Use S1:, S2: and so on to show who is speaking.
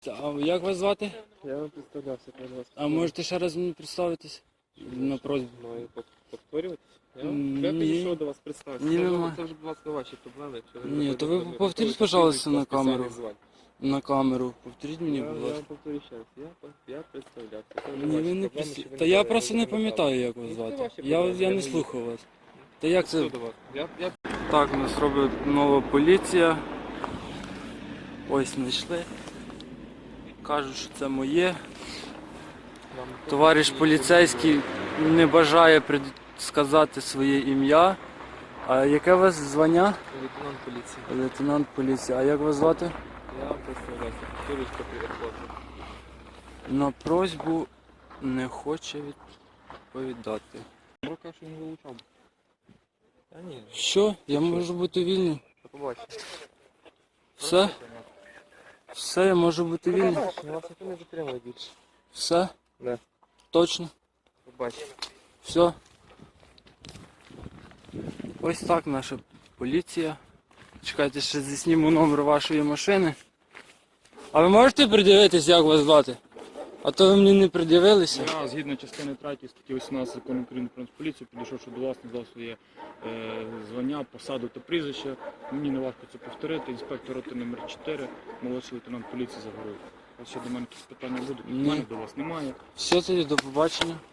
S1: А як вас звати?
S2: Я вам представлявся, перед вас.
S1: А можете ще раз мені представитись? На просьбу.
S2: Маю повторюватись? Я
S1: Ні.
S2: підійшов до вас представитися.
S1: Ні, нема.
S2: Це вже, будь ласка, ваші проблеми. Якщо ви
S1: Ні,
S2: не
S1: то ви
S2: хочете,
S1: повторіть,
S2: то
S1: пожалуйста, на
S2: спеціальних
S1: камеру.
S2: звань.
S1: На камеру. Повторіть мені,
S2: Я
S1: будь
S2: вам
S1: ласка.
S2: повторю ще раз. Я представлявся. Це вже
S1: Ні,
S2: ваші
S1: ви не
S2: проблеми, що ви
S1: Та
S2: не
S1: я просто не
S2: запам'ятали.
S1: пам'ятаю, як вас
S2: Ну, це
S1: звати.
S2: ваші
S1: Я
S2: проблеми,
S1: не
S2: не
S1: слухав вас. Та як
S2: Що
S1: це?
S2: до вас? Я
S1: Так, нас робить нова поліція. Ось знайшли. Кажуть, що це моє.
S2: вам
S1: Товариш поліцейський не бажає сказати своє ім'я. А яке у вас звання?
S2: лейтенант поліції.
S1: Лейтенант поліції. А як вас звати?
S2: Я вам представлявся. Повторюсь, що приїхав.
S1: На просьбу не хоче відповідати.
S2: Рука, що не вилучав. Та ні.
S1: Що? Я можу бути вільний.
S2: До побачення.
S1: Все? Все, я можу бути вільний.
S2: Побачення, вас ніхто не затримує більше.
S1: Все?
S2: Да.
S1: Точно?
S2: Побачення.
S1: Все. Ось так наша поліція. Чекайте, ще засніму номер вашої машини. А ви можете придивитись, як вас звати? А то ви мені не придивилися.
S3: Я, згідно частини 3 статті 18 Закону України про Нацполіцію, підійшовши до вас, назвав своє звання, посаду та прізвище. Мені не важко це повторити. Інспектор роти номер 4, молодший лейтенант поліції Загоруй. У вас ще до мене якісь питання будуть? У
S1: Ні.
S3: мене до вас немає.
S1: Все, тоді до побачення.